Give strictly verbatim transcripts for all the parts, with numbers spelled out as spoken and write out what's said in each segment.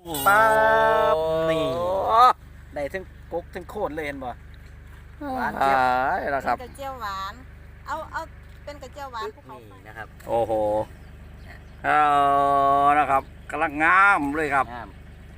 ปั๊บนี่ได้ทั้งกกทั้งโคนเลยเห็นบ่หวานเจี๊ยบนะครับกระเจียวหวานเอาเอาเป็นกระเจียวหวานภูเขาไฟนี่นะครับโอ้โหเออนะครับกำลังงามเลยครับงาม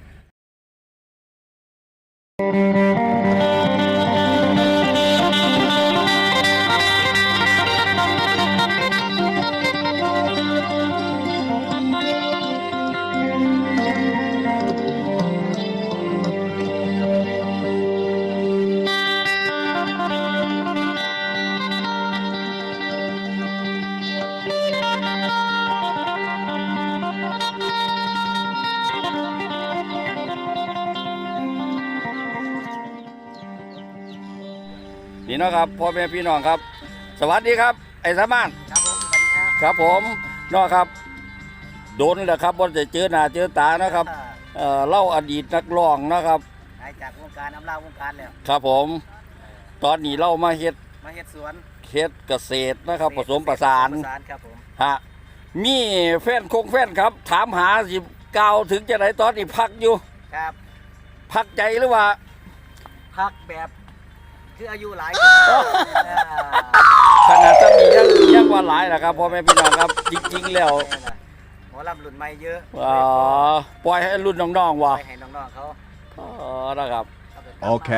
นี่นะครับพ่อแม่พี่น้องครับ สวัสดีครับไอ้สามานครับผมสวัสดีครับครับผมน้องครับโดนแหละครับว่าจะเจอหน้าเจอตานะครับเอ่อเล่าอดีตนักร้องนะครับหายจากวงการน้ำเล่าวงการแล้วครับผมตอนนี้เล่ามาเฮ็ดมาเฮ็ดสวนเฮ็ดเกษตรนะครับผสมประสานผสมประสานครับผมฮะมีแฟนคงแฟนครับ ถามหาสิเก่าถึงจะไหนตอนนี้พักอยู่ครับพักใจหรือว่าพักแบบคืออายุหลายขนาดจะมียังยังว่าหลายนะครับพ่อแม่พี่น้องครับจริงๆแล้วหมอลำรุ่นใหม่เยอะอ๋อปล่อยให้รุ่นน้องๆว่ะไปให้น้องๆเขาอ๋อนะครับโอเค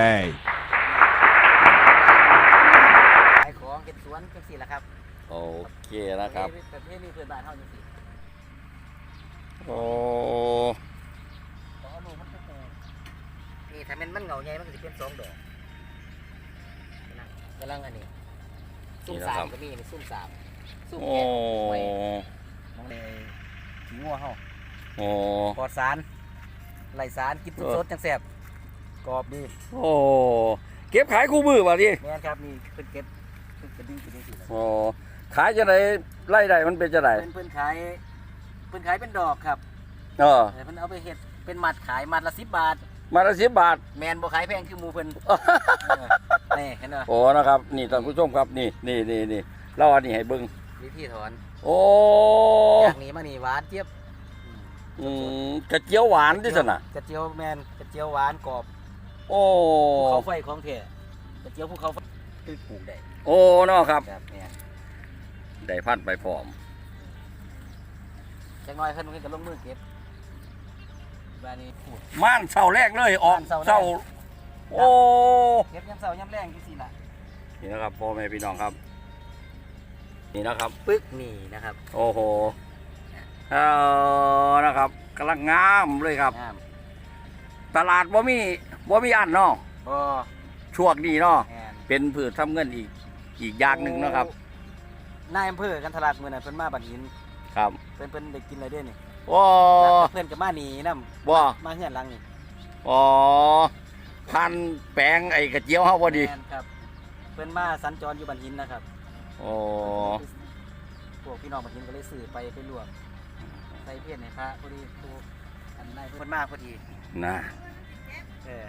ขายของเก็บสวนจังซี่แหละครับโอเคนะครับประเภทนี้เพื่อนบ้านเฮาจังซี่โอ้ต้องเอาลูกมันไปปลูกนี่ถ้ามันมันเหงาใหญ่มันก็สิเป็นสองดอกนั่นกำลังอันนี้ซุ่มสามก็มีนี่ซุ่มสามซุ่มโอ้แก่ไว้มองเลยขี้งัวเฮาโอ้ปลอดสารไร้สารกินสดๆจังแซ่บกรอบดีโอ้เก็บขายคู่มือป่ะที่แม่นครับนี่เพิ่นเก็บเพิ่นกระดิ่งกระดิ่งสิโอ้ขายจะไหนไล่ได้มันเป็นจะไหนเพิ่นเพิ่นขายเพิ่นขายเป็นดอกครับเออเพิ่นเอาไปเฮ็ดเป็นมัดขายมัดละสิบบาทมาละสิบบาทแมนบ่ขายแพงคือหมูเพิ่น นี่เห็นบ่โอ้นะครับนี่ท่านผู้ชมครับนี่นี่นี่นี่เล่าอันนี้ให้เบิ้งวิธีถอนโอ้จากนี้มานี่หวานเจี๊ยบอืมกระเจียวหวานที่สนะกระเจียวแมนกระเจียวหวานกรอบโอ้ภูเขาไฟของแท้กระเจียวภูเขาไฟคือปลูกได้โอ้เนาะครับครับเนี่ยได้พันธุ์ไปพร้อมจักหน่อยเพิ่นเพิ่นก็ลงมือเก็บบ้านนี้ปลูกม่านเสาแรกเลยออกม่านเสาแรกเสาโอ้เก็บยามเช้ายามแรงจังซี่ล่ะนี่นะครับพ่อแม่พี่น้องครับ นี่นะครับปึ๊กนี่นะครับโอ้โหเออนะครับกำลังงามเลยครับงามตลาดบ่มีบ่มีอันเนาะบ่ช่วงนี้เนาะแม่นเป็นพืชทำเงินอีกอีกอย่างหนึ่งเนาะครับนายอำเภอกันทลาดมื้อนั้นเพิ่นมาบัดหินครับเพิ่นเพิ่นได้กินอะไรเด้นี่โอ้เพิ่นก็มานี่นำบ่มาเฮือนหลังนี่อ๋อพันแปลงไอ้กระเจียวเฮาพอดีแม่นครับเพิ่นมาสัญจรอยู่บันหินนะครับโอ้พวกพี่น้องบันหินก็เลยซื้อไปไปลวกใส่เพี้ยนให้พระพอดีครูอันนายเพิ่นมาพอดีน่ะเออ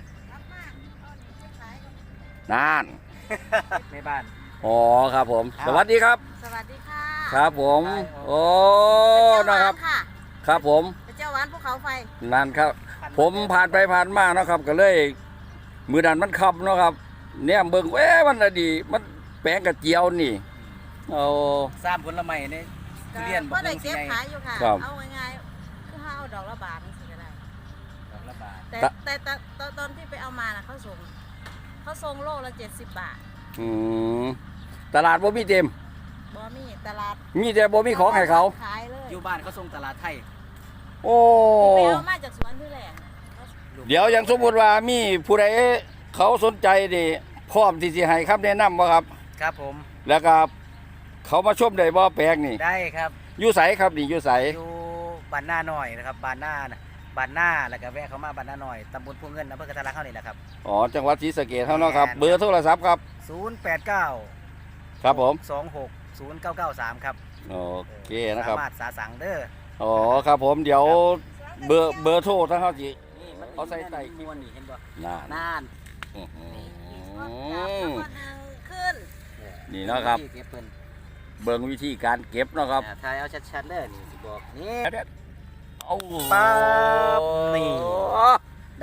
นั่นในบ้านอ๋อครับผมครับสวัสดีครับสวัสดีค่ะครับผม โอ้กระเจียวหวานะครับค่ะครับผมกระเจียวหวานภูเขาไฟนั่นครับ ผมผ่านไปผ่านมาเนาะครับ ก็เลย มือดันมันขับเนาะครับ เนี่ยเบิ่งเอ๊ะมันน่ะดี มันแปลงกระเจียวนี่โอ้สามผลไม้ในทุเรียนก็ได้สิเก็บไงขายอยู่ค่ะครับเอาง่ายๆคือห้าเอาดอกละบาทนี่สิก็ได้ดอกละบาทแต่ตะแต่แต่ตอนตอนที่ไปเอามาน่ะเขาส่งเขาส่งโลละเจ็ดสิบบาทอืมตลาดบ่มีเต็มบ่มีตลาดมีแต่บ่มีของให้เขาขายเลยอยู่บ้านเขาส่งตลาดไทยโอ้ไปเอามาจากสวนที่แหลงน่ะเขาเดี๋ยวอย่างสมมติว่ามีผู้ใดเขาสนใจดิพร้อมที่สิให้คำแนะนำบ่ครับครับผมแล้วก็เขามาชมได้บ่แปลงนี่ได้ครับอยู่ไสครับนี่อยู่ไสอยู่บ้านหน้าหน่อยนะครับบ้านหน้าน่ะบ้านหน้าแล้วก็แวะเข้ามาบ้านหน้าหน่อยตำบลพวงเงินอำเภอกระทะลักเท่านี้แหละครับอ๋อจังหวัดศรีสะเกษเฮาเนาะครับแม่นเบอร์โทรศัพท์ครับศูนย์ แปด เก้าครับผมสองหกศูนย์เก้าเก้าสามครับโอเคนะครับสามารถสาสังเด้ออ๋อครับผมเดี๋ยวเบอร์เบอร์โทรทั้งเขาสินี่มันเขาใส่ใส่มวนนี่เห็นบ่น่าน่านอื้อหืแล้วอก็ดึงขึ้นนี่เนาะครับที่เก็บเพิ่นเบิ่งวิธีการเก็บเนาะครับอ่าถ่ายเอาชัดๆเด้อนี่สิบอกนี่เอาปั๊บนี่โอ้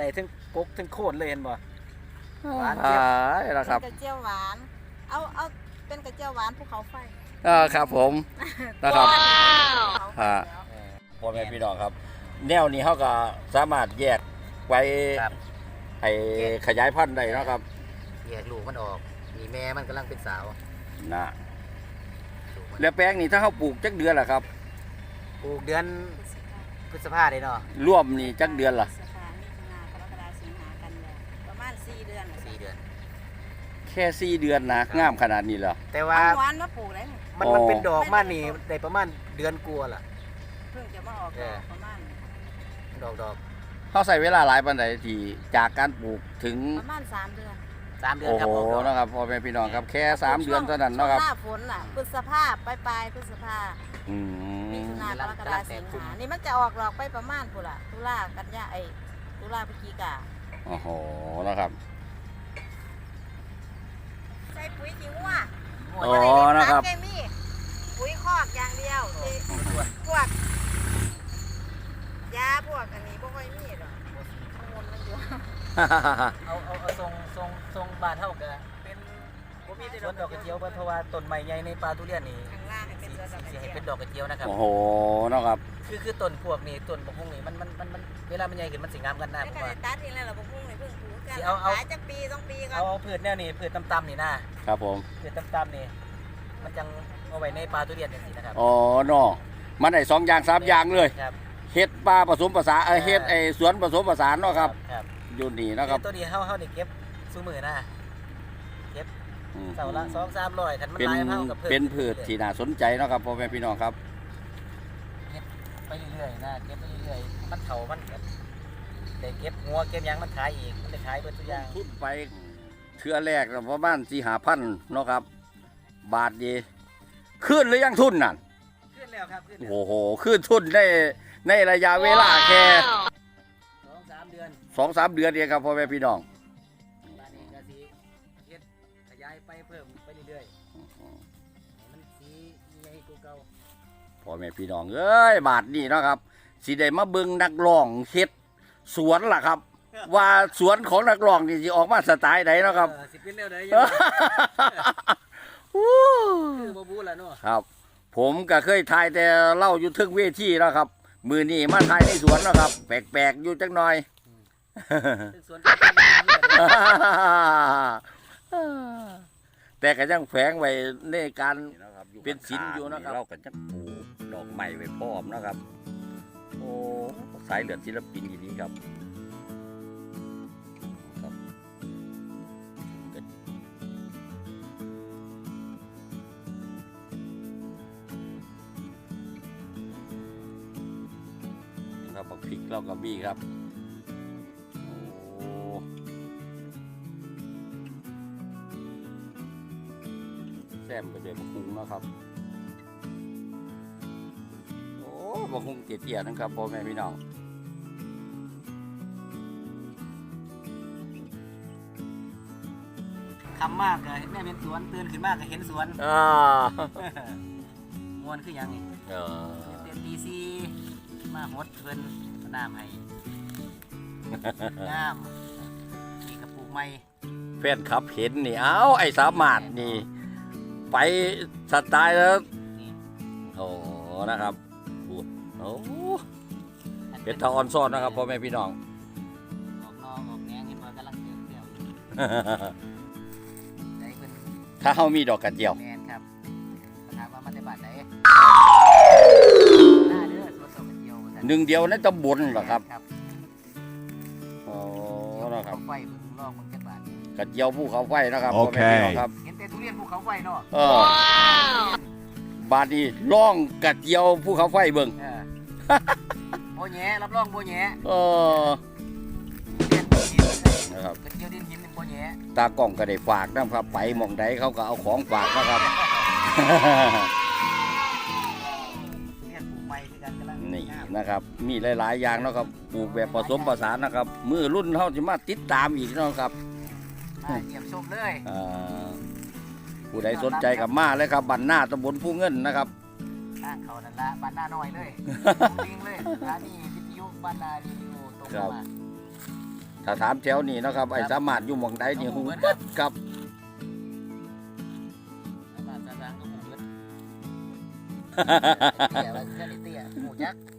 ทั้งกกทั้งโคนเลยเห็นบ่ หวานอ่าเจี๊ยบแล้วครับเป็นกระเจียวหวาน เอาเอาเป็นกระเจียวหวานภูเขาไฟอ่าครับผมนะครับภูเขาไฟอ่าแล้วเออพ่อแม่พี่น้องครับ แนวนี้เขาก็สามารถแยกไว้ครับไอ้ขยายพันธุ์ได้เนาะครับแยกลูกมันออกมีแม่มันกำลังเป็นสาวนะลูกมันแล้วแปลงนี่ถ้าเขาปลูกจักเดือนล่ะครับปลูกเดือนพฤษภาเลยเนาะร่วมนี่จักเดือนล่ะพฤษภามิถุนากรกฎาสิงหากันยาประมาณสี่เดือนน่ะสี่เดือนแค่สี่เดือนนะงามขนาดนี้เหรอแต่ว่าเอาหวานมาปลูกได้นี่มันอ๋อมันเป็นดอกมานี่ได้ประมาณเดือนกลัวาล่ะเพิ่งจะมาออกดอกประมาณดอกดอกเขาใส่เวลาหลายปันใดที่จากการปลูกถึงประมาณสามเดือนสามเดือนโอ้ครับโหออกดอกนะครับพ่อแม่พี่น้องครับแค่สามเดือนเท่านั้นเนาะครับช่วงหน้าฝนน่ะพฤษภาปลายปลายๆพฤษภาอืมิมถุนากรกฎาสิงหานี่มันจะออกดอกไปประมาณพุ่นล่ะตุลากันยาไอ้ตุลาพฤศจิกาโอ้โหนะครับใส่ปุ๋ยขี้งัวอ๋อนะครับสารเคมีปุ๋ยคอกอย่างเดียวที่พวกยาพวกอันนี้บ่ค่อยมีหรอกมูลมันอยู่เอาเอาเอาทรงทรงทรงบานเท่ากันเป็นผมมีแต่ดอกดอกกระเจียวเบิดเพราะว่าต้นไม้ใหญ่ในป่าทุเรียนนี่ข้างล่างให้เป็นสีตัวดอกกระสีเจีให้ยวเป็นดอกกระเจียวนะครับโอ้โหนะครับคือคือต้นพวกนี้ต้นบกฮุ่งนี่มันมันมันมันเวลามันใหญ่ขึ้นมันสิงามกันนะแล้วผมก็ว่าได้ตัดทิ้งแล้วเราบ่พุ่งเลยเพิ่งปลูกกันสิเอาเอาขายจักปีสองปีก่อเอานเอาพืชแนวนี้พืชต่ำๆนี่นะครับผมพืชต่ำๆนี่มันจังเอาไว้ในป่าทุเรียนจังซี่นะครับอ๋อเนาะมันได้สองอย่างสามอย่างเลยครับเฮ็ดปลาผสมผสานเอ้ยเฮ็ดไอ้สวนผสมผสานเนาะครับครับอยู่นี่นะครับตัวนี้เฮาเฮานี่เก็บซุมื้อนะอืมเสาละสองสามร้อยคันมันเป็นหลายเฮากับเพิ่มเป็นพืชที่น่าสนใจเนาะครับพ่อแม่พี่น้องครับไปเรื่อยๆนะเก็บไปเรื่อยๆมันเฒ่ามันก็ได้เก็บหัวเก็บหยังมันขายอีกมันได้ขายเบิดทุกอย่างทุนไปเทื่อแรกก็ประมาณสี่หาพันเนาะครับ บาทดีขึ้นหรือยังทุนนั่นขึ้นแล้วครับขึ้นแล้วโอ้โหขึ้นทุนได้ในระยะเวลาแค่สองสามเดือนสองสามเดือนเองครับพ่อแม่พี่น้องบ้านนี้ก็สิเฮ็ดขยายไปเพิ่มไปเรื่อยๆให้มันสีใหญ่กว่าเก่าพ่อแม่พี่น้องเอ้ยบาทนี่เนาะครับสิได้มาเบิ่งนักร้องเฮ็ดสวนล่ะครับ ว่าสวนของนักร้องนี่สิออกมาสไตล์ใดเนาะครับเออสิเป็นแนวใดยังไงคือบ่บู้ล่ะเนาะครับ ผมก็เคยถ่ายแต่เล่าอยู่ทึกเวทีแล้วครับ มือนี่มาถ่ายในสวนแล้วครับ แปลกๆอยู่จักหน่อยซึ่งสวนก็เป็นอย่างนี้แหละแต่ก็ยังแฝงไว้ในการเป็นศิลป์อยู่นะครับเราก็จะปลูกดอกไม้ไว้พร้อมนะครับ โอ้สายเลือดศิลปินอย่างนี้ครับครับครับบักพริกเราก็มีครับโอ้แซมไปด้วยบักคุงเนาะครับโอ้บักคุงเตี้ยๆนะครับพ่อแม่พี่น้องคำมากก็แม่เป็นสวนตื่นขึ้นมากก็เห็นสวนอ่าม่วนคือหยังนี่เออเต็มดีซีมาหดเพิ่นเอาน้ำให้น้ำนี่กระปุกใหม่แฟนคลับเห็นนี่ เอ้า ไอ้สามารถนี่ ไปสไตล์แล้วนี่โอ้นะครับพูดโอ้เป็นตาออนซ่อนนะครับพ่อแม่พี่น้องออกนอกออกแหนงเห็นว่ากำลังเติบเติบได้เพิ่นถ้าเขามีดอกกระเจียวแมนครับถามว่ามันได้บาทไหนหน้าเด้อสวนดอกกระเจียวว่าซั่หนึ่งเดียวในตำบลเหรอครับครับโอ้เดี๋ยวนะครับเขาไฟเพิ่งลอกมึงจักบาทกระเจียวภูเขาไฟนะครับโอพ่อเคแม่พี่น้องครับเห็นแต่ทุเรียนภูเขาไฟเนาะเออบาดนี้ล่องกระเจียวภูเขาไฟเบิ่งเออโบแหย่รับรองโบแหย่เออเรียนดินนะครับกระเจียวดินหินเป็นโบแหย่ตากล้องก็ได้ฝากนะครับ ไปหมองใดเขาก็เอาของฝากนะครับเรียนปลูกไม้คือกันกำลังนี่งามนะครับ มีหลาย ๆ อย่างเนาะครับปลูกแบบผสมผสานนะครับ มือรุ่นเขาจะมาติดตามอีกเนาะครับมาเยี่ยมชมเลยอ่าผู้ใดสนใจกับมาเลยครับบันหน้าตำบลผู้เงินนะครับทางเขานั่นละบ้านหน้าน้อยเลยลิงเลยร้านนี้วิทยุบ้านนารีวิวตรงครับมาถถ้าถามแถวนี้เนาะครับไอ้สามารถอยู่หม่องใดนี่ฮู้เบิดครับสามารถสร้างก็หมู่เบิดเตี้ยว่าแค่นี้เตี้ยหมู่ยักษ์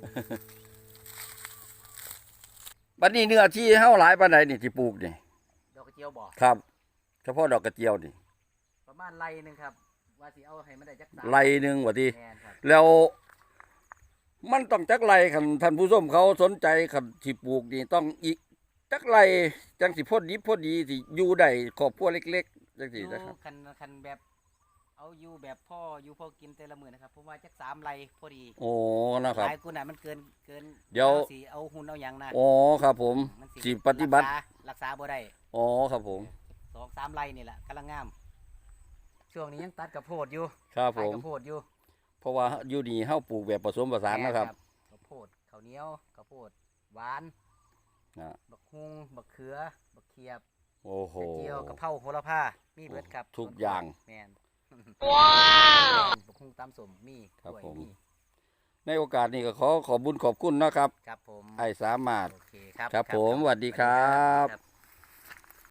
บัดนี้เนื้อที่เฮาหลายปานใดนี่ที่ปลูกนี่ดอกกระเจียวบ่ครับ เฉพาะดอกกระเจียวนี่ประมาณไรหนึงครับว่าสิเอาให้มันได้จักสามไรหนึงว่าติแม่นครับแล้วมันต้องจักไรคันท่านผู้ชมเขาสนใจคันที่ปลูกนี่ต้องอีกจักไรจังสิพอดีพอดีสิอยู่ได้ครอบครัวเล็กๆจังอซี่ยู่นะครับคันคันแบบเอาอยู่แบบพ่ออยู่พ่อกินแต่ละมื้อนะครับผมว่าจักสามไรพอดีโอ้นะครับหลายกูน่ะมันเกินเกินเดี๋ยวสิเอาหุ่นเอาหยังนะอ๋อครับผมมันสิปฏิบัติรักษารักษาบ่ได้อ๋อครับผมสองสามไรนี่แหละกำลังงาม ช่วงนี้ยังตัดกระโพดอยู่ครับผขายมกระโพดอยู่เพราะว่าอยู่นี่เฮาปลูกแบบผสมผสานนะครับกระโพดข้าวเหนียวกระโพดหวานนะบักฮุงบักเขือบักเขียบโอ้โหกระเจียวกระเพราโหระพามีเบิดครับทุกอย่างแมนว้าวบักฮุงตำสมมีครับกล้วยผมมีในโอกาสนี้ก็ขอขอบคุญขอบคุณนะครับครับผมไอ้สามารถโอเคครับครับผมสวัสดีครับครับ